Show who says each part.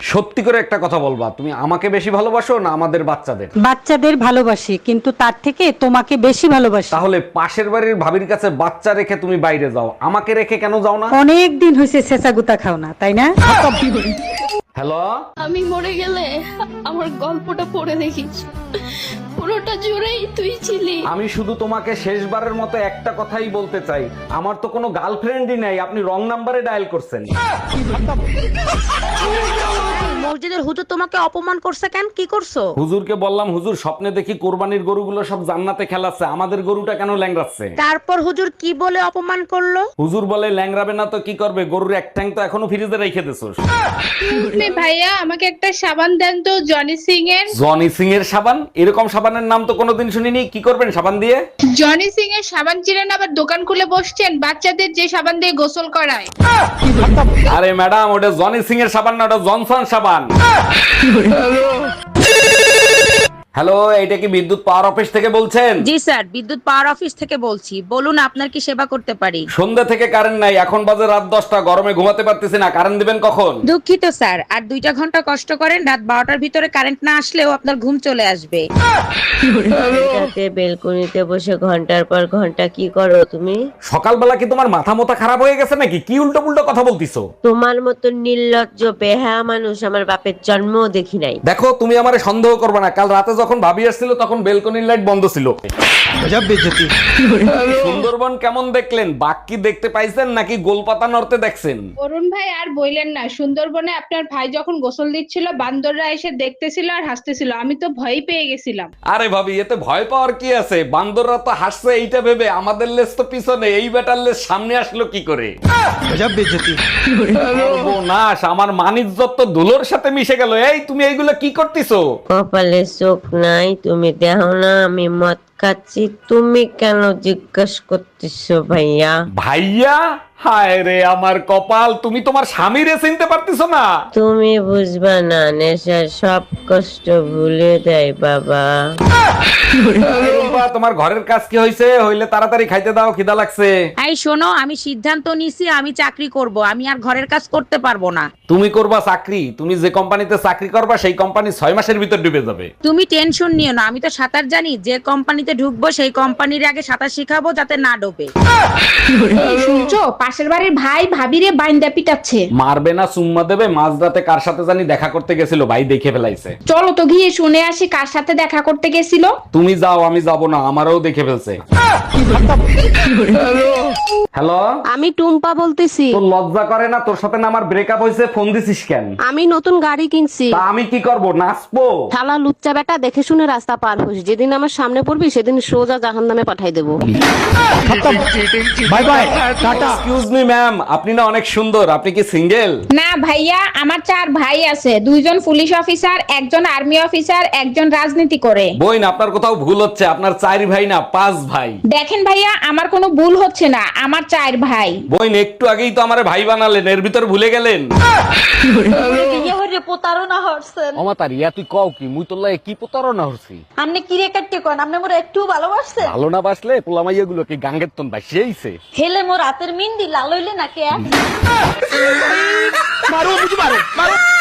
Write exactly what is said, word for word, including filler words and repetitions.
Speaker 1: সত্যি করে একটা কথা বলবা, তুমি আমাকে বেশি ভালোবাসো না আমাদের বাচ্চাদের?
Speaker 2: বাচ্চাদের ভালোবাসি, কিন্তু তার থেকে তোমাকে বেশি ভালোবাসি।
Speaker 1: তাহলে পাশের বাড়ির ভাবির কাছে বাচ্চা রেখে তুমি বাইরে যাও, আমাকে রেখে কেন যাও না?
Speaker 2: অনেক দিন হয়েছে ছেঁচা গুতা খাও না, তাই না?
Speaker 1: হ্যালো,
Speaker 3: আমি মরে গেলে আমার গল্পটা পড়ে দেখিস, পুরোটা জুড়েই তুই ছিলি।
Speaker 1: আমি শুধু তোমাকে শেষবারের মতো একটা কথাই বলতে চাই, আমার তো কোনো গার্লফ্রেন্ডই নাই, আপনি রং নাম্বারে ডায়াল করছেন।
Speaker 4: মসজিদের হুজুর তোমাকে অপমান করছে কেন? কি করছো?
Speaker 1: হুজুরকে বললাম, হুজুর স্বপ্নে দেখি কোরবানির গরুগুলো সব জান্নাতে খেলাচ্ছে, আমাদের গরুটা কেন ল্যাংড়াচ্ছে?
Speaker 4: তারপর হুজুর কি বলে অপমান করলো?
Speaker 1: হুজুর বলে, ল্যাংড়াবে না তো কি করবে, গরুর এক ঠ্যাং তো এখনো ফ্রিজে রেখে দিছোস।
Speaker 3: ভাইয়া আমাকে একটা সাবান দেন তো, জনি সিং এর।
Speaker 1: জনি সিং এর সাবান? এরকম সাবানের নাম তো কোনোদিন শুনিনি, কি করবেন সাবান দিয়ে?
Speaker 3: জনি সিং এর সাবান চিনেন, আবার দোকান খুলে বসছেন বাচ্চাদের যে সাবান দিয়ে গোসল করায়।
Speaker 1: আরে ম্যাডাম, ওটা জনি সিং এর সাবান না, ওটা জনসন সাবান। হ্যালো, এইটা কি বিদ্যুৎ পাওয়ার অফিস থেকে বলছেন?
Speaker 4: জি স্যার, বিদ্যুৎ পাওয়ার অফিস থেকে বলছি। বলুন আপনার কি সেবা করতে পারি?
Speaker 1: সন্ধ্যা থেকে কারেন্ট নাই, এখন বাজে রাত দশটা, গরমে ঘুমাতে পারতেছি না, কারেন্ট দিবেন কখন?
Speaker 4: দুঃখিত স্যার, আর দুইটা ঘন্টা কষ্ট করেন, রাত বারোটার ভিতরে কারেন্ট না আসলেও আপনার ঘুম চলে আসবে।
Speaker 5: রাতে বেলকনিতে বসে ঘন্টার পর ঘন্টা কি করো তুমি?
Speaker 1: সকালবেলা কি তোমার মাথা মোথা খারাপ হয়ে গেছে নাকি? কি উল্টো পুল্টো কথা বলতিছো?
Speaker 5: তোমার মতো নির্লজ্জ বেহায়া মানুষ আমার বাপের জন্মও দেখি নাই।
Speaker 1: দেখো, তুমি আমারে সন্দেহ করবে না, কাল রাতে যখন ভাবি আসছিল তখন বেলকনির লাইট বন্ধ ছিল। সুন্দরবন কেমন দেখলেন? বাঘ কি দেখতে পাইছেন নাকি গোলপাতা নড়তে দেখছেন?
Speaker 3: অরুণ ভাই আর বইলেন না, সুন্দরবনে আপনার ভাই যখন গোসল দিচ্ছিল বান্দররা এসে দেখতেছিল আর হাসতেছিল, আমি তো ভয় পেয়ে গেছিলাম।
Speaker 1: আরে ভাবি, এতে ভয় পাওয়ার কি আছে? বান্দররা তো হাসছে এইটা ভেবে, আমাদের লেজ তো পিছনে, এই বেটার লেজ সামনে আসলো কি করে? সর্বনাশ, আমার মানিজ্জত তো ধুলোর সাথে মিশে গেল। এই তুমি এইগুলো কি করতেছো?
Speaker 5: কপালে চোখ নাই, তুমি দেখো না আমি মদ খাচ্ছি, তুমি কেন জিজ্ঞেস করতেছো ভাইয়া?
Speaker 1: ভাইয়া? হায় রে আমার কপাল, তুমি তোমার স্বামীরে চিনতে পারতেছো না?
Speaker 5: তুমি বুঝবা না, নেশা সব কষ্ট ভুলে দেয় বাবা।
Speaker 1: আরে রুম্পা, তোমার ঘরের কাজ কি হয়েছে? হইলে তাড়াতাড়ি খাইতে দাও, খিদা লাগছে।
Speaker 4: এই শোনো, আমি সিদ্ধান্ত নিছি আমি চাকরি করব, আমি আর ঘরের কাজ করতে পারবো না।
Speaker 1: তুমি করবা চাকরি? তুমি যে কোম্পানিতে চাকরি করবা সেই কোম্পানি ছয় মাসের ভিতর ডুবে যাবে।
Speaker 4: তুমি টেনশন নিও না, আমি তো সাঁতার জানি, যে কোম্পানিতে ঢুকবো সেই কোম্পানির আগে সাঁতার শিখাবো যাতে না ডোবে।
Speaker 3: শুনছো, পাশের বাড়ির ভাই ভাবিরে বাইন্দা পিটাচ্ছে।
Speaker 1: মারবে না চুম্মা দেবে? মাঝরাতে কার সাথে জানি দেখা করতে গেছিল, ভাই দেখে ফেলাইছে।
Speaker 3: চলো তো গিয়ে শুনে আসি কার সাথে দেখা করতে গেছিল।
Speaker 1: তুমি যাও, আমি যাব না, আমারও দেখে ফেলছে। হ্যালো,
Speaker 6: আমি টুম্পা বলতেছি।
Speaker 1: তোর লজ্জা করে না? তোর সাথে না আমার ব্রেকআপ হয়েছে, ফোন দিছিস কেন?
Speaker 6: আমি নতুন গাড়ি কিনছি।
Speaker 1: তা আমি কি করব, নাচবো?
Speaker 6: শালা লুচ্চা বেটা, দেখে শুনে রাস্তা পার হোস, যেদিন আমার সামনে পড়বি সেদিন সোজা জাহান্নামে পাঠাই দেবো।
Speaker 1: Bye bye, tata. Excuse me ma'am, আপনি না অনেক সুন্দর, আপনি কি সিঙ্গেল?
Speaker 3: না ভাইয়া, আমার চার ভাই আছে, দুইজন পুলিশ অফিসার, একজন আর্মি অফিসার, একজন রাজনীতি করে।
Speaker 1: বইন, আপনার কোথাও ভুল হচ্ছে, আপনার চার ভাই না পাঁচ ভাই।
Speaker 3: দেখেন ভাইয়া, আমার কোনো ভুল হচ্ছে না, আমার চার ভাই।
Speaker 1: বইন, একটু আগেই তো আমারে ভাই বানালেন, এর ভিতর ভুলে গেলেন?
Speaker 7: প্রতারণা হচ্ছেন।
Speaker 1: অমাতার ইয়া তুই কও কি? মুই তোর লাগে কি প্রতারণা হচ্ছি?
Speaker 7: আপনি কি রে কাটতে কোন? আপনি মোরে একটু ভালোবাসছেন?
Speaker 1: ভালো না বাসলে পোলামাইয়া গুলো কি গাঙ্গের তন বাসিয়েছে?
Speaker 7: হেলে মোর রাতের মিন্দি লাল হইলে নাকি?
Speaker 1: মারো, বুঝি মারো, মারো।